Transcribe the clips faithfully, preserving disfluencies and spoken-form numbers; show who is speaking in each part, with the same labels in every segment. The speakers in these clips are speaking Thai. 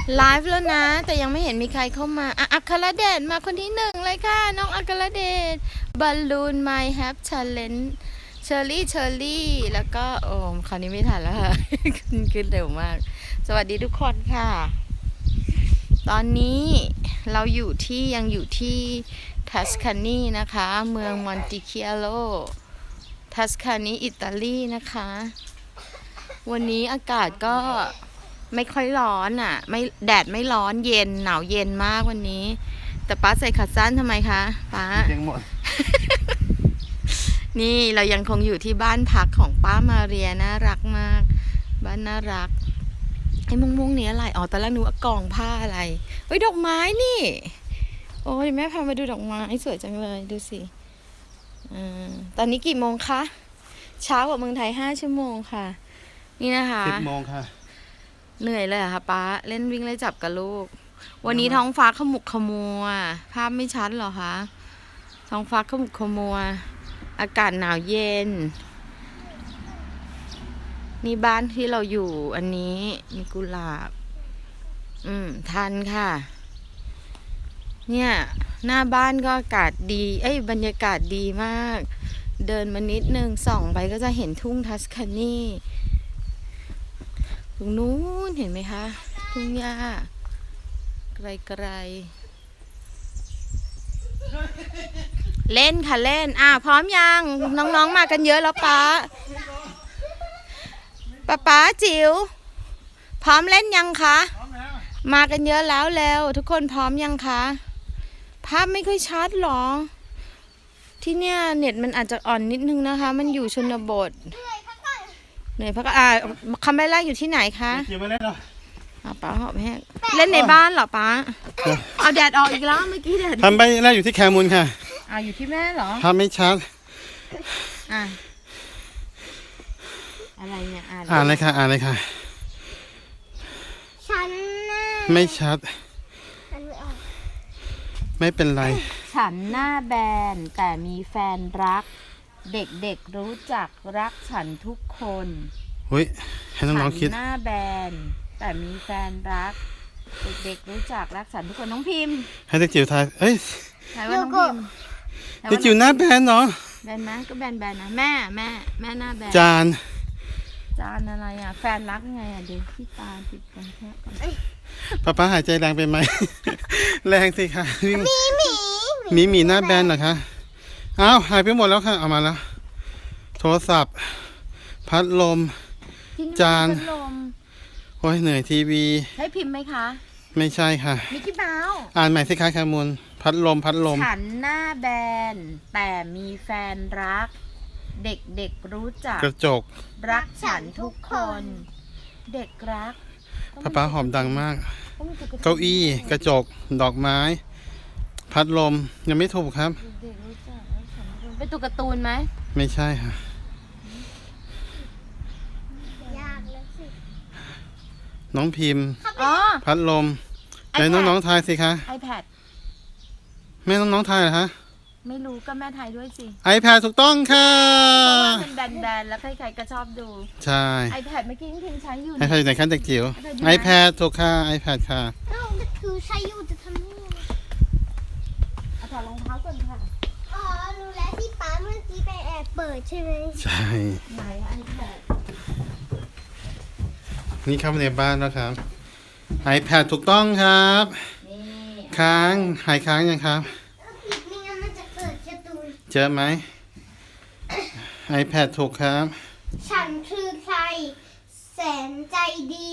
Speaker 1: ไลฟ์แล้วนะแต่ยังไม่เห็นมีใครเข้ามาอ่ะอัครเดชมาคนที่หนึ่งเลยค่ะน้องอัครเดชบอลลูนไมแฮปชาเลนจ์เชอร์รี่เชอร์รี่แล้วก็โอ้คราวนี้ไม่ทันแล้วค่ะ ขึ้นขึ้นเร็วมากสวัสดีทุกคนค่ะตอนนี้เราอยู่ที่ยังอยู่ที่ทัสคานีนะคะเมืองมอนติเคียโลทัสคานีอิตาลีนะคะวันนี้อากาศก็ไม่ค่อยร้อนอ่ะไม่แดดไม่ร้อนเย็นหนาวเย็นมากวันนี้แต่ป้าใส่ขาสั้นทำไมคะป้า
Speaker 2: ยังหมด
Speaker 1: นี่เรายังคงอยู่ที่บ้านพักของป้ามาเรียน่ารักมากบ้านน่ารักไอ้ม่วงๆนี้อะไรอ๋อตอนแรกนึกว่ากองผ้าอะไรเฮ้ยดอกไม้นี่โอ้ยแม่พามาดูดอกไม้สวยจังเลยดูสิอ่าตอนนี้กี่โมงคะเช้ากว่าเมืองไทยห้าชั่วโมงค่ะนี่นะคะ
Speaker 2: สิบโมงค่ะ
Speaker 1: เหนื่อยเลยอะค่ะป้าเล่นวิ่งไล่จับกับลูกวันนี้ท้องฟ้าขมุกขมัวภาพไม่ชัดหรอคะท้องฟ้าขมุกขมัวอากาศหนาวเย็นนี่บ้านที่เราอยู่อันนี้มีกุหลาบอืมทันค่ะเนี่ยหน้าบ้านก็อากาศดีเอ้ยบรรยากาศดีมากเดินมานิดนึงส่องไปก็จะเห็นทุ่งทัสคานีตรงนู้นเห็นไหมคะทุ่งหญ้าไกลๆเล่นค่ะเล่นอ่ะพร้อมยังน้องๆมากันเยอะแล้วป๊าป๊าป๊าจิ๋วพร้อมเล่นยังคะมากันเยอะแล้วแล้วทุกคนพร้อมยังคะภาพไม่ค่อยชัดหรอที่เนี่ยเน็ตมันอาจจะอ่อนนิดนึงนะคะมันอยู่ชนบทเหนื่อยพักอ่าคำแรกอยู่ที่ไหนคะ
Speaker 2: เกี่ยวไม่เล่นหรอ
Speaker 1: ป้าหอบแห้งเล่นในบ้านเหรอป้าเอาแดดออกอีกแล้วเมื่อกี้แดด
Speaker 2: ทำไปแรกอยู่ที่แคมูลค่ะ
Speaker 1: อ่าอยู่ที่แม่เหรอ
Speaker 2: ทำไม่ชัด
Speaker 1: อ่ะอะไรเนี่ยอ่าน
Speaker 2: อ่านเลยค่ะอ่านเลยค่ะ
Speaker 3: ฉันน่ะ
Speaker 2: ไม่ชัดไม่เป็นไร
Speaker 1: ฉันหน้าแบนแต่มีแฟนรักเด็กๆรู้จักรักฉันทุกคน
Speaker 2: เฮ้ยให้น้องๆคิด
Speaker 1: ฉันหน้าแบนแต่มีแฟนรักเด็กๆรู้จักรักฉันทุกคนน้องพิมพ์
Speaker 2: ให้เด็กจิ๋วทายเอ้ย
Speaker 1: ทายว่าน้องพิมพ์
Speaker 2: เด็กจิ๋วหน้าแบนเนาะ
Speaker 1: แบนไหมก็แบนแบนนะแม่แม่แม่หน้าแบน
Speaker 2: จาน
Speaker 1: จานอะไรอ่ะแฟนรักไงอ่ะเดี๋ยวที่ตาติดกันแค่ก่อน
Speaker 2: ป้าป้าหายใจแรงไปไหม แรงสิค่ะ
Speaker 3: มีหมี
Speaker 2: มีหมีหน้าแบนเหรอคะอ้าวหายไปหมดแล้วค่ะเอามาแล้วโทรศัพท์พัดลมจานโอ้ยเหนื่อยทีวี
Speaker 1: ใช้พิมพ์ไหมคะ
Speaker 2: ไม่ใช่ค่ะ
Speaker 1: มิกกี้เมาส์
Speaker 2: อ่านใหม่สิคะแคมูลพัดลมพัดลม
Speaker 1: ฉันหน้าแบนแต่มีแฟนรักเด็กๆรู้จัก
Speaker 2: กระจก
Speaker 1: รักฉันทุกคนเด็กรัก
Speaker 2: ป้าป้าหอมดังมากเก้าอี้กระจกดอกไม้พัดลมยังไม่ถูกครับ
Speaker 1: เป็นตัวการ์ตูนไหม
Speaker 2: ไม่ใช่ค่ะน้องพิมพ์พัดลมไหนน้องๆทายสิคะ
Speaker 1: iPad
Speaker 2: แม่น้องๆทายเหรอคะ
Speaker 1: ไม่รู้ก็แม่ทายด้วยสิ
Speaker 2: iPad ถูกต้องค่ะ
Speaker 1: เพราะว่ามันแบนๆแล้วใครๆก็ชอบดู
Speaker 2: ใช่
Speaker 1: iPad เมื่อกี้พิมพ์ใช้อยู่
Speaker 2: iPad อยู่ไหนคะเด็กจิ๋ว iPad ถูกค่ะ iPad ค่ะ
Speaker 3: อ้าวคือใช้อยู่จะทำนี่
Speaker 1: เอาถอดรองเท้าก่อนค่ะ
Speaker 3: อ๋อรู้แล้วที่ป้าเมื่อกี้ไปแอบเปิดใช่ไหม
Speaker 2: ใช่
Speaker 1: ไหน iPad
Speaker 2: นี่เข้ามาในบ้านแล้วครับ iPad ถูกต้องครับค้างหายค้างยังครับ
Speaker 3: ไม่งั้นมันจะเกิดการ์ตูน
Speaker 2: เจอไหม iPad ถูกครับ
Speaker 3: ฉันคือใครแสนใจดี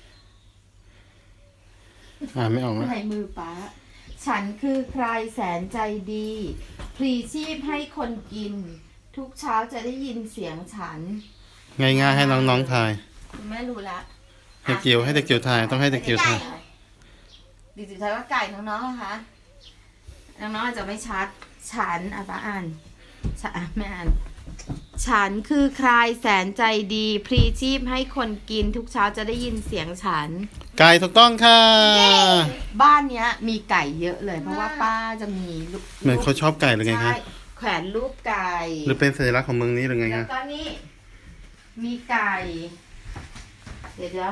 Speaker 2: อ่านไม่ออกแล้ว
Speaker 1: ในมือป้าฉันคือใครแสนใจดีพลีชีพให้คนกินทุกเช้าจะได้ยินเสียงฉัน
Speaker 2: ง่ายๆให้น้องๆทาย
Speaker 1: ไม่รู้ละ
Speaker 2: เด็กจิ๋วให้เด็กจิ๋วทายต้องให้เด็กจิ๋วทาย
Speaker 1: เด็กจิ๋วทายว่าไก่น้องๆนะคะน้องๆอาจจะไม่ชัดฉันอ่ะป้าอ่านฉันไม่อ่านฉันคือใครแสนใจดีพลีชีพให้คนกินทุกเช้าจะได้ยินเสียงฉัน
Speaker 2: ไก่ถูกต้องค่ะ
Speaker 1: บ้านเนี้ยมีไก่เยอะเลยเพราะว่าป้าจะมี
Speaker 2: เหมือนเขาชอบไก่หรือไงคะ
Speaker 1: แขวนรูปไก่
Speaker 2: หรือเป็นสัญลักษณ์ของเมืองนี้หรือไงคะ
Speaker 1: แล้วก็นี่มีไก่เดี๋ยว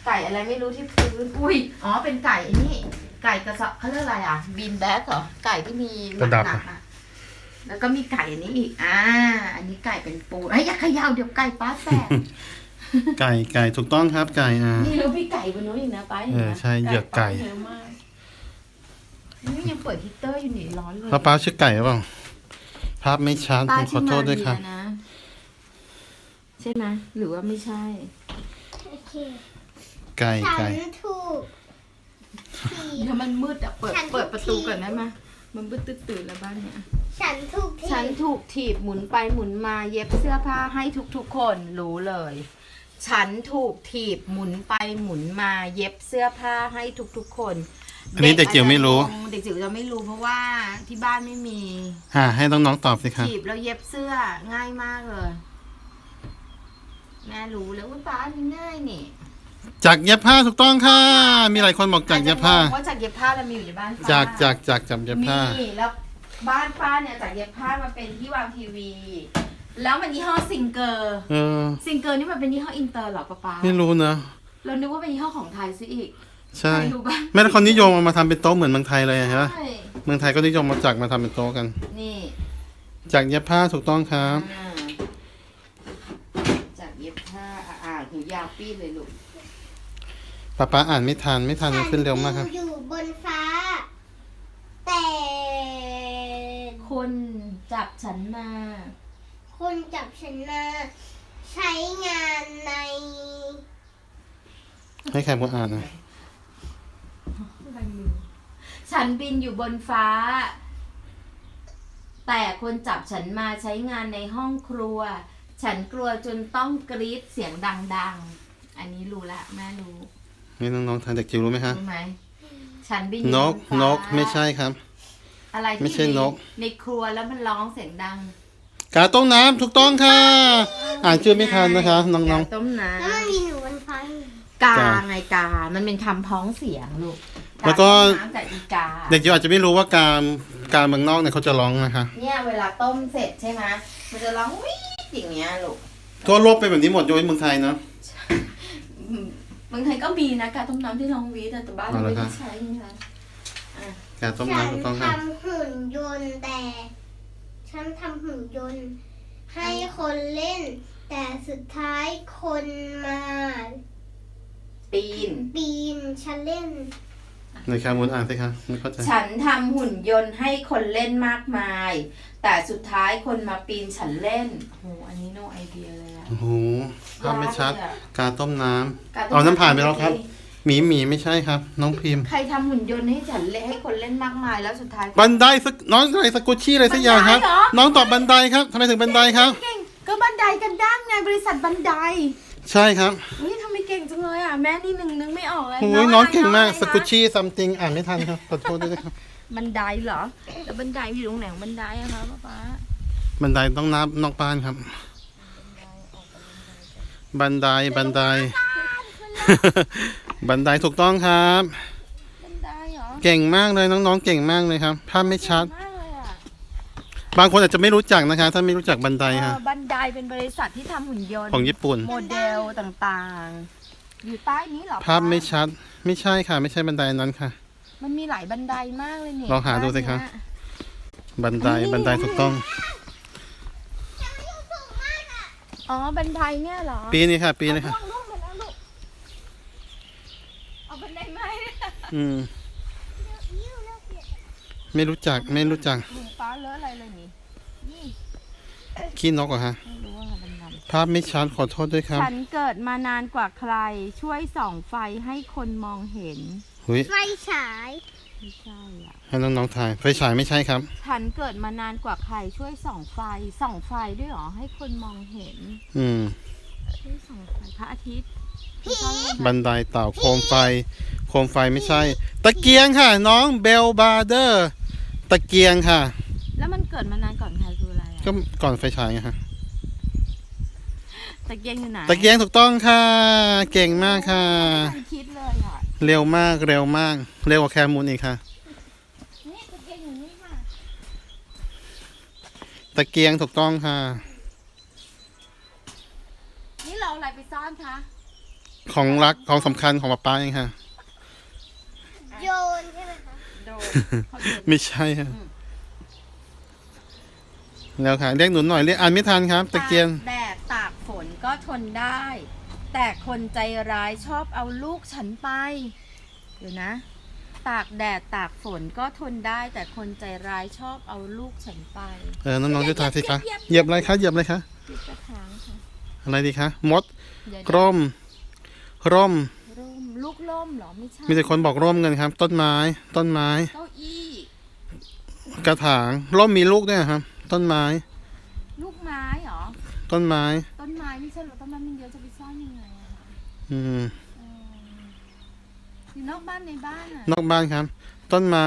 Speaker 1: ไก่อะไรไม่รู้ที่พื้นอุ้ยอ๋อเป็นไก่ไอ้นี่ไก่กระสอบเขาเรียกอะไรอ่ะบีนแบ็กเหรอไก่ที่มีหนักหนักอ่ะแล้วก็มีไก่อันนี้อีกอ่าอันนี้ไก่เป็นปูไอ้ยอย่าเขย่าเดี๋ยวไก่ป้าแตก
Speaker 2: ไก่ไก่ถูกต้องครับไก่อ่า
Speaker 1: นี่แล้วพี่ไก่บนนู้นอีกนะป้า
Speaker 2: เออใช่เหยือกไก่
Speaker 1: เยอะมากนี่ยังเปิดฮีตเตอร์อยู่นี่ร้อนเลย
Speaker 2: แล้วป้าชื่อไก่หรือเปล่าภาพไม่ชัดผมขอโทษด้วยครับ
Speaker 1: ป้าที่มาเรียนนะใช่ไหมหรือว่าไม่ใช่
Speaker 3: โอเค
Speaker 2: ไก่
Speaker 3: ฉั
Speaker 2: ไก่
Speaker 3: นถูกถีบ
Speaker 1: ถ้ามันมืดอะเปิด
Speaker 3: ฉันถูก
Speaker 1: เปิดประตู
Speaker 3: ถีบ
Speaker 1: ก่อนได้ไหมมันมืดตื่นๆแล้วบ้านเนี้ย
Speaker 3: ฉันถูกถี
Speaker 1: ฉัน
Speaker 3: บ
Speaker 1: ถูกถีบหมุนไปหมุนมาเย็บเสื้อผ้าให้ทุกๆคนรู้เลย ฉันถูกถีบหมุนไปหมุนมาเย็บเสื้อผ้าให้ทุกๆคน
Speaker 2: อันนี้เด็กจิ๋วไม่รู้
Speaker 1: เด็กจิ๋วจะไม่รู้เพราะว่าที่บ้านไม่มี
Speaker 2: อ่าให้น้องๆตอบสิครับ
Speaker 1: ถีบแล้วเย็บเสื้อง่ายมากเลย แม่รู้แล้วว่าป้าอันนี้ง่ายนี่
Speaker 2: จากเย็บผ้าถูกต้องค่ะ มีหลายคนบอกจากเย็บผ้า
Speaker 1: อจจะงงว่าจากเย็บผ้าเรามีอยู่ในบ้านป้า
Speaker 2: จากจากจากจากเย็บผ้า
Speaker 1: มีแล้วบ้านป้าเนี่ยจากเย็บผ้ามาเป็นที่วางทีวี แล้วมันยี่ห้อซิงเกอร์
Speaker 2: เออ
Speaker 1: ซิงเกอร์นี่มันเป็นยี่ห้ออินเตอร์เหรอป้าป๊า
Speaker 2: ไม่รู้นะ
Speaker 1: เรานึกว่าเป็นยี่ห้อของไทยซะอีก
Speaker 2: ใช่
Speaker 1: ใครรู้บ้าง
Speaker 2: แม่แต่คนนิยมเอามาทำเป็นโต๊ะเหมือนเมืองไทยเลยใช่ไหม
Speaker 1: ใช่
Speaker 2: เมืองไทยก็นิยมมาจากมาทำเป็นโต๊ะกัน
Speaker 1: นี่
Speaker 2: จากเย็บผ้าถูกต้องครับ
Speaker 1: อ่าจากเย็บผ้าอ่าอ่าหูยาวปี้เลยลูก
Speaker 2: ป้าป้าอ่านไม่ทันไม่ทันมันขึ้นเร็วมากครับ
Speaker 3: ฉันอยู่บนฟ้า แต่
Speaker 1: คนจับฉันมา
Speaker 3: คนจับฉันมาใช้งานใน
Speaker 2: ให้ใครมาอ่านนะ
Speaker 1: ฉันบินอยู่บนฟ้า แต่คนจับฉันมาใช้งานในห้องครัว ฉันกลัวจนต้องกรี๊ดเสียงดังๆ อันนี้รู้ละแม่รู้
Speaker 2: นี่น้องๆทางเด็กจิ๋วรู้ไหมฮะ
Speaker 1: รู้ไหมฉันบิน
Speaker 2: นก
Speaker 1: อยู่บฟ้าน
Speaker 2: กไม่ใช่ครับ
Speaker 1: อะไร
Speaker 2: ไม่
Speaker 1: ที่
Speaker 2: ใช่นก
Speaker 1: ในครัวแล้วมันร้องเสียงดัง
Speaker 2: กาต้มน้ำถูกต้องค่ะ อ่านชื่อไม่ทันนะคะ น้อง
Speaker 1: กาต้มน้
Speaker 3: แล้วมันมีหนูบนฟ้าอยู่
Speaker 1: ำกาไงกา มันเป็นคำพ้องเสียงลูก
Speaker 2: ๆ แล้วก็
Speaker 1: าต้มน้ำกับอีกา
Speaker 2: เด็กจิ๋วอาจจะไม่รู้ว่าการการเมืองนอกเนี่ยเขาจะร้องนะคะ
Speaker 1: เนี่ยเวลาต้มเสร็จใช่ไหมมันจะร้องวิ่งอย่างเงี้ยลูก
Speaker 2: ทั่วโลกเป็นแบบนี้หมดยกเว้นเมืองไทยเนาะ
Speaker 1: อืมเมืองไทยก็มีนะการต้มน้ำที่ร้องวีแต่แต่บ้านเรา
Speaker 2: เอา
Speaker 1: ไม่
Speaker 2: ละครั
Speaker 1: ได้
Speaker 2: บ
Speaker 1: ใช้นะคะ
Speaker 2: กาต้ม
Speaker 3: ฉัน
Speaker 2: น้ำถูกต้องค่ะ
Speaker 3: ทำหุ่นยนต์แต่ ฉันทำหุ่นยนต์ให้คนเล่น แต่สุดท้ายคนมา
Speaker 1: ปีน
Speaker 3: ปีนฉันเล่น
Speaker 2: ในคามูลอ่านสิคะไม่เข้าใจ
Speaker 1: ฉันทำหุ่นยนต์ให้คนเล่นมากมาย แต่สุดท้ายคนมาปีนฉันเล่นโอ้โหอันนี้ no idea เลยอะ
Speaker 2: โอ้โหภาพไม่ชัด
Speaker 1: ยากเลยอะ
Speaker 2: กาต้มน้
Speaker 1: การ
Speaker 2: ำ
Speaker 1: ต้ม
Speaker 2: เอาน้ำผ่านไป
Speaker 1: ำ
Speaker 2: แล้วครับ หมีหมีไม่ใช่ครับ น้องพิมพ์
Speaker 1: ใครทำหุ่นยนต์ให้ฉันเล่นให้คนเล่นมากมายแล้วสุดท้าย
Speaker 2: บันไดสักน้องอะไรสกุชชี่อะไรสักอย่างครับ
Speaker 1: บันไดเหรอ
Speaker 2: น้องตอบบันไดครับทำไมถึงบันไดครับ
Speaker 1: เก่งก็บันไดกันด้ามไงบริษัทบันได
Speaker 2: ใช่ครับ
Speaker 1: นี่ทำไมเก่งจังเลยอ่ะแม่นี่หนึ่งนึงไม่ออกเลย
Speaker 2: โอ้ยน้องเก่งมาก
Speaker 1: อะไร
Speaker 2: สกุชชี่ซัมติงอ่านไม่ทันครับขอโทษด้วยนะครับ
Speaker 1: บันไดเหรอแล้วบันไดอยู่ตรงไหนของบันไดอะคะป๊าป๊า
Speaker 2: บันไดต้องนับนอกบ้านครับ บันไดบันได บันไดถูกต้องครับ
Speaker 1: บันไดเหรอ
Speaker 2: เก่งมากเลยน้องๆเก่งมากเลยครับภาพไม่ชัด
Speaker 1: มากเลยอ่ะ
Speaker 2: บางคนอาจจะไม่รู้จักนะคะ ถ้าไม่รู้จักบันได
Speaker 1: เอ
Speaker 2: ค่ะ
Speaker 1: อบันไดเป็นบริษัทที่ทำหุ่นยนต์
Speaker 2: ของญี่ปุ่น
Speaker 1: โมเดลต่างๆ อยู่ใต้นี้เหรอ
Speaker 2: ภาพไม่ชัด ไม่ใช่ค่ะ ไม่ใช่บันไดนั้นค่ะ
Speaker 1: มันมีหลายบันไดมากเลยเนี่ย
Speaker 2: ลองหาดูสิครับ บันไดบันไดถูกต้อง
Speaker 1: อ๋อบันไดเนี่ยเหรอ
Speaker 2: ปีนี้ค่ะ ปีนี้ค่ะ
Speaker 1: ล่วงล่วงไปแล้วลูกเอาบันไดไหม
Speaker 2: อืม ไม่รู้จักไม่รู้จัก
Speaker 1: หนูฟ้าเลอะอะไรเลยนี่นี่
Speaker 2: ขี้นกเหรอฮะ
Speaker 1: ไม่รู้ว่าบันได
Speaker 2: ภาพไม่ชัดขอโทษด้วยครับ
Speaker 1: ฉันเกิดมานานกว่าใคร ช่วยส่องไฟให้คนมองเห็น
Speaker 2: หุย
Speaker 3: ไฟฉาย
Speaker 1: ไม่ใช่อ่ะ
Speaker 2: ให้น้องๆถ่ายไฟฉายไม่ใช่ครับ
Speaker 1: ฉันเกิดมานานกว่าใคร ช่วยส่องไฟ ส่องไฟด้วยเหรอ ให้คนมองเห็น
Speaker 2: อืม
Speaker 1: ช่วยส่องไฟพระอาทิตย์
Speaker 2: บันไดเต่าโคมไฟ โคมไฟไม่ใช่ ตะเกียงค่ะ น้องเบลบาร์เดอร์ ตะเกียงค่ะ
Speaker 1: แล้วมันเกิดมานานก่อนใครคืออะไรอ่ะ
Speaker 2: ก็ก่อนไฟฉายไงฮะ
Speaker 1: ตะเกียงอยู่ไหน
Speaker 2: ตะเกียงถูกต้องค่ะ เก่งมากค่ะ
Speaker 1: ไม่เคยคิดเลยอ่ะ
Speaker 2: เร็วมากเร็วมาก เร็วกว่าแคมูลอีกค่ะ
Speaker 1: นี่ตะเกียงอยู่นี่ค่ะ
Speaker 2: ตะเกียงถูกต้องค่ะ
Speaker 1: นี่เราเอาอะไรไปซ่อนคะ
Speaker 2: ของรักของสำคัญของป๊าป๊าเองค่ะ
Speaker 3: โยนใช่ไหมคะ
Speaker 1: โดนเขาโดน
Speaker 2: ไม่ใช่ค่ะแล้วค่ะเรียกหนูหน่อยเรียกอ่านไม่ทันครับตะเกียน
Speaker 1: ตากแดดตากฝนก็ทนได้ แต่คนใจร้ายชอบเอาลูกฉันไป เดี๋ยวนะ ตากแดดตากฝนก็ทนได้ แต่คนใจร้ายชอบเอาลูกฉันไป
Speaker 2: เออน้องๆช่วยทายสิคะเหยียบอะไรคะเหยียบอะไรคะ
Speaker 1: ที่กระถางค่ะ
Speaker 2: อะไรดีคะมด
Speaker 1: เดี๋ยว
Speaker 2: กร่มร่ม
Speaker 1: ร่มลูกร่มเหรอไม่ใช่
Speaker 2: มีแต่คนบอกร่มกันครับ ต้นไม้ ต้นไม้
Speaker 1: เก้าอี้
Speaker 2: กระถางร่มมีลูกด้วยครับ ต้นไม้
Speaker 1: ลูกไม้เหรอ
Speaker 2: ต้นไม้
Speaker 1: ต้นไม้ไม่ใช่เหรอต้นไม้มันเยอะจะไปซ่อนยังไงอะคะ
Speaker 2: อืม
Speaker 1: เอออยู่นอกบ้านในบ้านอะ
Speaker 2: นอกบ้านครับ ต้นไม้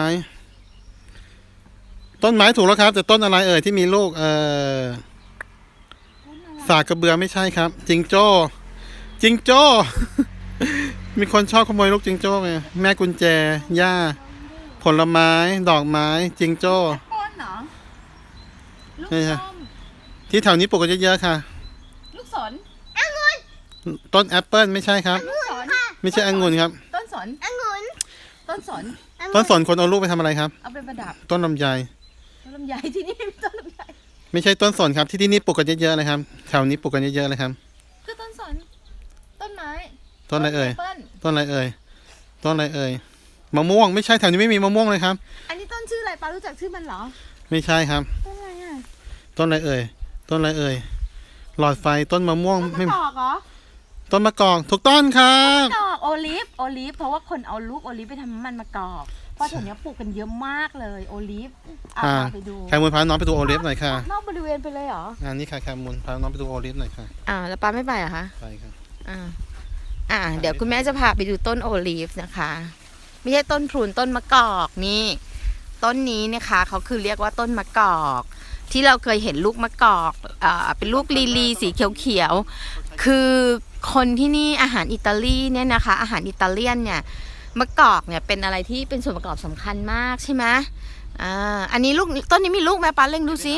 Speaker 2: ต้นไม้ถูกแล้วครับ แต่ต้นอะไรเอ่ยที่มีลูกเออ
Speaker 1: ต้นอะไร
Speaker 2: สากกระเบือไม่ใช่ครับ จิงโจ้จิงโจ้ มีคนชอบขโมยลูกจิงโจ้ไงแม่กุญแจหญ้า ผลไม้ ดอกไม้ จิงโจ้
Speaker 1: ต้นเหรอลูก
Speaker 2: ใช่ครับ
Speaker 1: ส้ม
Speaker 2: ที่แถวนี้ปลูกกันเยอะๆค่ะ
Speaker 1: ลูกสน
Speaker 2: ต้นแอปเปิลไม่ใช่ครับ
Speaker 1: ลูกสน
Speaker 2: ไม่ใช่องุ่นครับ
Speaker 1: ต้นสน
Speaker 3: องุ่น
Speaker 1: ต้นสน
Speaker 2: ต้นสนคนเอาลูกไปทำอะไรครับ
Speaker 1: เอาไปประดับ
Speaker 2: ต้นลำไย
Speaker 1: ต้นลำไยที่นี่มีต้นลำไย
Speaker 2: ไม่ใช่ต้นสนครับ ที่ที่นี่ปลูกกันเยอะๆเลยครับ แถวนี้ปลูกกันเยอะๆเลยครับ
Speaker 1: คือต้นสน ต้นไม้
Speaker 2: ต้นอะไรเอ่ย
Speaker 1: แปปิ้ล
Speaker 2: ต้นอะไรเอ่ย ต้นอะไรเอ่ย มะม่วงไม่ใช่แถวนี้ไม่มีมะม่วงเลยครับ
Speaker 1: อันนี้ต้นชื่ออะไรปารู้จักชื่อมันเหรอ
Speaker 2: ไม่ใช่ครับ
Speaker 1: ต้นอะไรอ่ะ
Speaker 2: ต้นอะไรเอ่ย ต้นอะไรเอ่ย หลอดไฟต้นมะม่วง
Speaker 1: ต้น
Speaker 2: ไม่
Speaker 1: มะกอกเหรอ
Speaker 2: ต้นมะกอกถูกต้นครับ
Speaker 1: มะกอกโอลิฟโอลิฟเพราะว่าคนเอาลูกโอลิฟไปทำน้ำมันมะกอกเพราะแถวเนี้ยปลูกกันเยอะมากเลยโอลิฟเอา
Speaker 2: อ่า
Speaker 1: ไปดู
Speaker 2: แคมูลพาน้องไปดูโอลิฟหน่อยค่ะ
Speaker 1: นอกบริเวณไปเลยเหรอ
Speaker 2: อันนี้ค่ะแคมูลพาน้องไปดูโอลิฟหน่อยค่ะ
Speaker 1: อ่าแล้วป้าไม่ไปเหรอคะ
Speaker 2: ไปครับ
Speaker 1: อ่า อ่า เดี๋ยวคุณแม่จะพาไปดูต้นโอลีฟนะคะ ไม่ใช่ต้นพลูนต้นมะกอกนี่ ต้นนี้นะคะเขาคือเรียกว่าต้นมะกอก ที่เราเคยเห็นลูกมะกอกอ่าเป็นลูกลีลีสีเขียวๆคือคนที่นี่อาหารอิตาลีเนี่ยนะคะ อาหารอิตาเลียนเนี่ยมะกอกเนี่ยเป็นอะไรที่เป็นส่วนประกอบสำคัญมากใช่ไหมอ่าอันนี้ลูกต้นนี้มีลูกไหมป้าเล่งดูสิ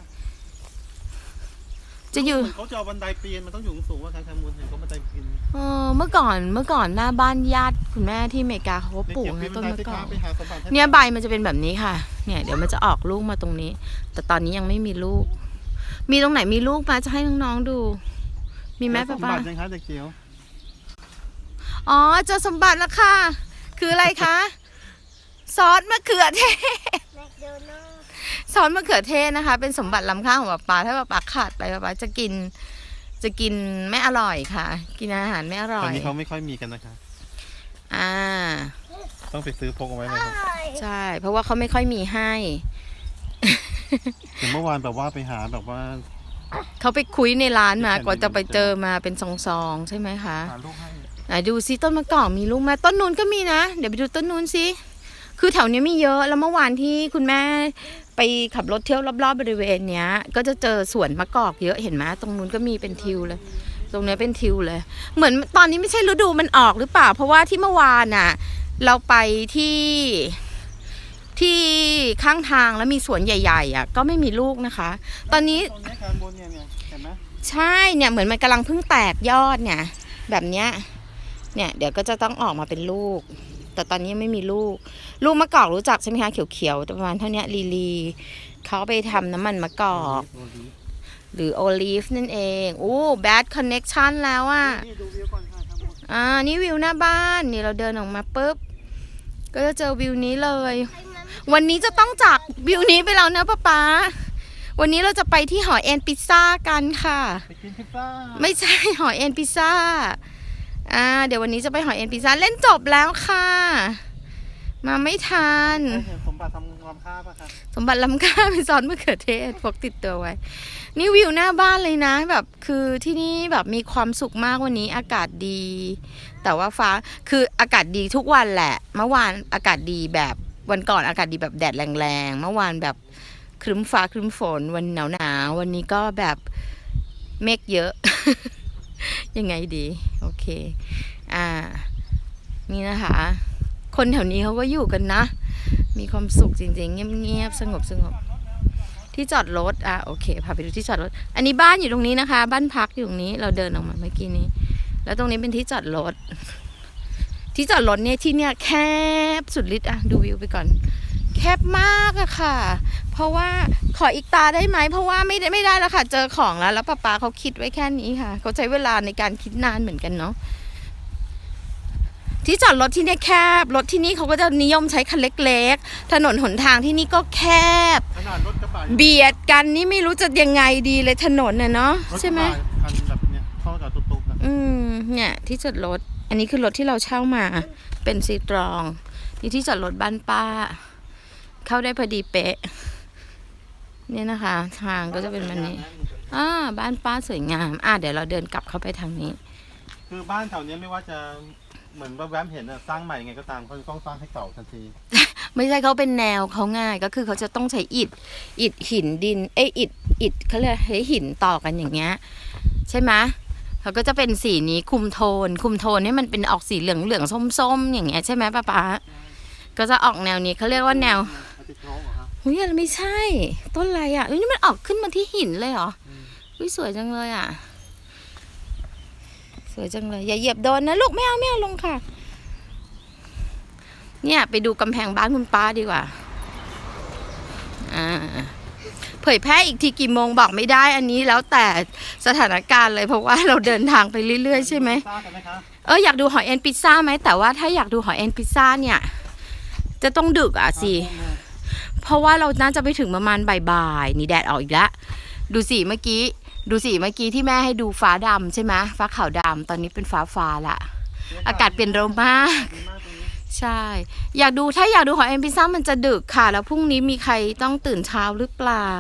Speaker 1: จะอยู่
Speaker 2: เขาจะเอาบันไดปีนมันต้องอยู่สูงว่าทางแคมูลเห็นเขาบันไดปีน
Speaker 1: เออเมื่อก่อนเมื่อก่อนหน้าบ้านญาติคุณแม่ที่อเมริกาเขาก็ปลูกนะต้นมะกอก
Speaker 2: ไปหาสมบัติให้
Speaker 1: เนี่ยใบมันจะเป็นแบบนี้ค่ะ เนี่ยเดี๋ยวมันจะออกลูกมาตรงนี้ แต่ตอนนี้ยังไม่มีลูก มีตรงไหนมีลูกมาจะให้น้องๆดู มีไหม
Speaker 2: ส
Speaker 1: ป้าม
Speaker 2: บั
Speaker 1: ป้า
Speaker 2: ติยังคะเด็กเกียว
Speaker 1: อ๋อเจอสมบัติแล้วค่ะ คืออะไรคะ ซอสมะเขือเทศ
Speaker 3: แมคโดนัลด์
Speaker 1: ซอสมะเขือเทศนะคะ เป็นสมบัติล้ำค่าของป้าป้าถ้าป้าป้าขาดไปป้าป้าจะกิน จะกินไม่อร่อยค่ะ กินอาหารไม่อร่
Speaker 2: ต
Speaker 1: อ
Speaker 2: อน
Speaker 1: ย
Speaker 2: นี้เขาไม่ค่อยมีกันนะคะ
Speaker 1: อ่า
Speaker 2: ต้องไปซื้อพกเอาไว้เลยครับ
Speaker 1: ใช่ เพราะว่าเขาไม่ค่อยมีให้
Speaker 2: ถึงเมื่อวานแบบว่าไปหาแบบว่า
Speaker 1: เขาไปคุยในร้านมา
Speaker 2: ที่แผ่นดิน
Speaker 1: กว่าจะไปเจอมาเป็นซองๆใช่ไหมคะ
Speaker 2: หาลูกให้
Speaker 1: ไหนดูซิต้นมะกอกมีลูกไหมต้นนู้นก็มีนะ เดี๋ยวไปดูต้นนู้นสิคือแถวนี้มีเยอะแล้วเมื่อวานที่คุณแม่ไปขับรถเที่ยวรอบๆบริเวณเนี้ย ก็จะเจอสวนมะกอกเยอะเห็นไหมตรงนู้นก็มีเป็นทิวเลย ตรงเนี้ยเป็นทิวเลย เหมือนตอนนี้ไม่ใช่ฤดูมันออกหรือเปล่า เพราะว่าที่เมื่อวานน่ะ เราไปที่ที่ข้างทางแล้วมีสวนใหญ่ๆอ่ะก็ไม่มีลูกนะคะ ตอนนี้
Speaker 2: ตรงนี้แคมูลเนี่ยเนี่ยเห็นไหม
Speaker 1: ใช่เนี่ยเหมือนมันกำลังเพิ่งแตกยอดเนี่ยแบบเนี้ยเนี่ยเดี๋ยวก็จะต้องออกมาเป็นลูก แต่ตอนนี้ยังไม่มีลูก ลูกมะกอกรู้จักใช่ไหมคะเขียวๆประมาณเท่านี้ลีลีเขาไปทำน้ำมันมะกอก หรือโอลีฟนั่นเองโอ้แบดคอนเน็กชันแล้วอ่ะ
Speaker 2: นี่ดูวิวก่อนค่ะแคมูล
Speaker 1: อ่านี่วิวหน้าบ้านนี่เราเดินออกมาปุ๊บก็จะเจอวิวนี้เลย วันนี้จะต้องจากวิวนี้ไปแล้วนะป๊าป๊าวันนี้เราจะไปที่หอเอ็นพิซซ่ากันค่ะ
Speaker 2: ไปกินพิซซ่า
Speaker 1: ไม่ใช่ หอเอ็นพิซซ่า อ่า เดี๋ยววันนี้จะไปหอเอ็นพิซซ่าเล่นจบแล้วค่ะ มาไม่ทัน
Speaker 2: เห็นสมบัติทำความค่าป่ะคะ
Speaker 1: สมบัติล้ำค่าเป็นซอสมะเขือเทศพกติดตัวไว้ นี่วิวหน้าบ้านเลยนะ แบบคือที่นี่แบบมีความสุขมากวันนี้อากาศดี แต่ว่าฟ้าคืออากาศดีทุกวันแหละ เมื่อวานอากาศดีแบบวันก่อนอากาศดีแบบแดดแรงๆ เมื่อวานแบบครึ้มฟ้าครึ้มฝนวันหนาวหนาวๆวันนี้ก็แบบเมฆเยอะ ยังไงดี โอเค อ่า นี่นะคะ คนแถวนี้เขาก็อยู่กันนะ มีความสุขจริงๆ เงียบๆ สงบสงบที่จอดรถ อ่ะ โอเค พาไปดูที่จอดรถ อันนี้บ้านอยู่ตรงนี้นะคะ บ้านพักอยู่ตรงนี้ เราเดินออกมาเมื่อกี้นี้แล้วตรงนี้เป็นที่จอดรถที่จอดรถเนี่ยที่เนี่ยแคบสุดฤทธิ์อะดูวิวไปก่อนแคบมากอะค่ะ เพราะว่าขออีกตาได้ไหมเพราะว่าไม่ได้ไม่ได้แล้วค่ะ เจอของแล้วแล้วป้าป๊าเขาคิดไว้แค่นี้ค่ะเขาใช้เวลาในการคิดนานเหมือนกันเนาะที่จอดรถที่นี่แคบรถที่นี่เขาก็จะนิยมใช้คันเล็กๆถนนหนทางที่นี่ก็แคบ
Speaker 2: ขนาดรถกระบะ
Speaker 1: เบียดกันนี่ไม่รู้จะยังไงดีเลยถนนน่ะเนาะ
Speaker 2: รถกระบะ
Speaker 1: ใช่ไหม
Speaker 2: คันแบบเนี้ยเข้ากับตุ๊กๆอะ
Speaker 1: อืมเนี่ยที่จอดรถอันนี้คือรถที่เราเช่ามาเป็นซีตรองนี่ที่จอดรถบ้านป้า เข้าได้พอดีเป๊ะเนี่ยนะคะ ทางก็จะเป็นแบบนี้อ่าบ้านป้าสวยงามอ่ะเดี๋ยวเราเดินกลับเข้าไปทางนี้
Speaker 2: คือบ้านแถวเนี้ยไม่ว่าจะเหมือนแวบๆเห็นอะสร้างใหม่ยังไงก็ตามเขาจะต้องสร้างให้เก่าทันที
Speaker 1: ไม่ใช่เขาเป็นแนวเขาง่ายก็คือเขาจะต้องใช้อิฐอิฐหินดินเอ้ยอิฐอิฐเขาเรียกใช้หินต่อกันอย่างเงี้ยใช่ไหมเขาก็จะเป็นสีนี้คุมโทน คุมโทนนี่มันเป็นออกสีเหลืองเหลืองส้มส้มๆอย่างเงี้ยใช่ไหมป้าป๊าก็จะออกแนวนี้เขาเรียกว่าแนว
Speaker 2: อาทิตย์โลกเหรอครับ
Speaker 1: เฮ้ยไม่ใช่ ต้นอะไรอ่ะเฮ้ยนี่มันออกขึ้นมาที่หินเลยเหรอเฮ้ยสวยจังเลยอ่ะสวยจังเลยอย่าเหยียบโดนนะลูกไม่เอาไม่เอาลงค่ะเนี่ยไปดูกำแพงบ้านคุณป้าดีกว่าอ่าเผยแพร่อีกทีกี่โมงบอกไม่ได้อันนี้แล้วแต่สถานการณ์เลยเพราะว่าเราเดินทางไปเรื่อยๆใช่ไหม
Speaker 2: ทราบกันไหมคะ
Speaker 1: เอออยากดูหอยเอ็นพิซซ่าไหมแต่ว่าถ้าอยากดูหอยเอ็นพิซซ่าเนี่ยจะต้องดึกอ่ะสิเพราะว่าเราน่าจะไปถึงประมาณบ่ายๆนี่แดดออกอีกแล้วดูสิเมื่อกี้ดูสิเมื่อกี้ที่แม่ให้ดูฟ้าดำใช่ไหมฟ้าขาวดำตอนนี้เป็นฟ้าฟ้าละอากาศเปลี่ยนเร็วมาก
Speaker 2: ดีมากตรงนี้
Speaker 1: ใช่ อยากดูถ้าอยากดูหอยเอ็นพิซซ่ามันจะดึกค่ะ แล้วพรุ่งนี้มีใครต้องตื่นเช้าหรือเปล่า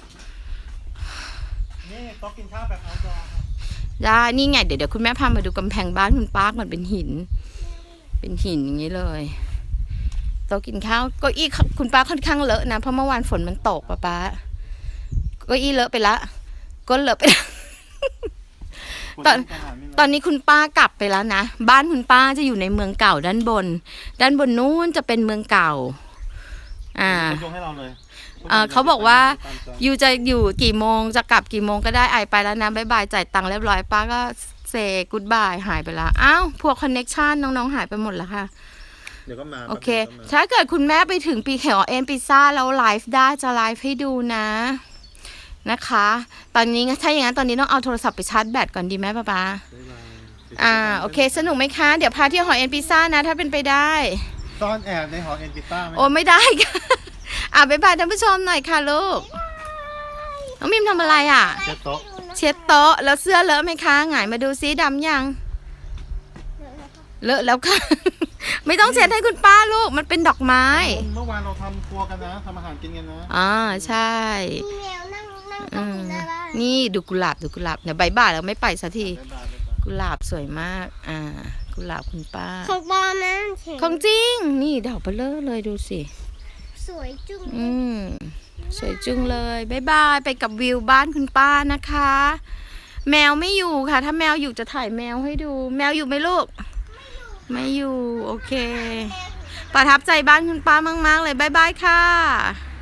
Speaker 2: นี่โต๊ะกินข้าวแบบ outdoor ครับ
Speaker 1: ได้นี่ไงเดี๋ยวเดี๋ยวคุณแม่พามาดูกำแพงบ้านคุณป้าก่อนเป็นหิน เป็นหินอย่างนี้เลยโต๊ะกินข้าวเก้าอี้คุณป้าค่อนข้างเลอะนะเพราะเมื่อวานฝนมันตกป้าป้าเก้าอี้เลอะไปละก้นเลอะไปละ ตอน ตอนนี้คุณป้ากลับไปแล้วนะบ้านคุณป้าจะอยู่ในเมืองเก่าด้านบน ด้านบนนู้นจะเป็นเมืองเก่าอ่า
Speaker 2: ยกให้เราเลย
Speaker 1: เอ่อเขาบอกว่า อยู่จะอยู่กี่โมงจะกลับกี่โมงก็ได้ไอไปแล้วนะบ๊ายบายจ่ายตังค์เรียบร้อยป้าก็เซกูดบายหายไปแล้วอ้าวพวกคอนเน็กชันน้องๆหายไปหมดแล้วค่ะ
Speaker 2: เดี๋ยวก็มา
Speaker 1: โอเค
Speaker 2: แป๊บนึงก็มา
Speaker 1: ถ้าเกิดคุณแม่ไปถึงปีเขียวเอ็นพิซซ่าแล้วไลฟ์ได้จะไลฟ์ให้ดูนะนะคะ ตอนนี้ถ้าอย่างนั้นตอนนี้ต้องเอาโทรศัพท์ไปชาร์จแบตก่อนดีไหมป้าป๊า
Speaker 2: บ๊ายบาย
Speaker 1: อ่าโอเคสนุกไหมคะเดี๋ยวพาเที่ยวหอเอ็นพิซซ่านะถ้าเป็นไปได้
Speaker 2: ซ่อนแอบในหอเอ็นพิต้าไหม
Speaker 1: โอ้ไม่ได้ค่ะ อ่ะบ๊ายบายท่านผู้ชมหน่อยค่ะลูกน้องมิมทำอะไรอ่ะ
Speaker 2: เช็ดโต๊ะ
Speaker 1: เช็ดโต๊ะแล้วเสื้อเลอะไหมคะหงายมาดูซิดำยัง เลอะแล้วค่ะ ไม่ต้องเช็ดให้คุณป้าลูกมันเป็นดอกไม้
Speaker 2: เมื่อวานเราทำครัวกันนะทำอาหารกินกันนะ
Speaker 1: อ่าใช่
Speaker 3: มีแมวนั่งนั่งตร
Speaker 1: อื
Speaker 3: ง
Speaker 1: ม
Speaker 3: นี้ได้บ้าง
Speaker 1: นี่ดูกุหลาบดูกุหลาบเดี๋ยวบายบายแล้วไม่ไปสักที
Speaker 2: บ๊ายบายบ๊ายบาย
Speaker 1: กุหลาบสวยมาก อ่า กุหลาบคุณป้า
Speaker 3: ของปลอมนะเห็น
Speaker 1: ของจริง นี่ดอกเบลอเลยดูสิ
Speaker 3: สวยจุ้ง
Speaker 1: อืม สวยจุงเลยบายบายไปกับวิวบ้านคุณป้านะคะ แมวไม่อยู่ค่ะ ถ้าแมวอยู่จะถ่ายแมวให้ดู แมวอยู่ไหมลูก ไม่อยู่ โอเค ประทับใจบ้านคุณป้ามากๆเลยบายบายค่ะ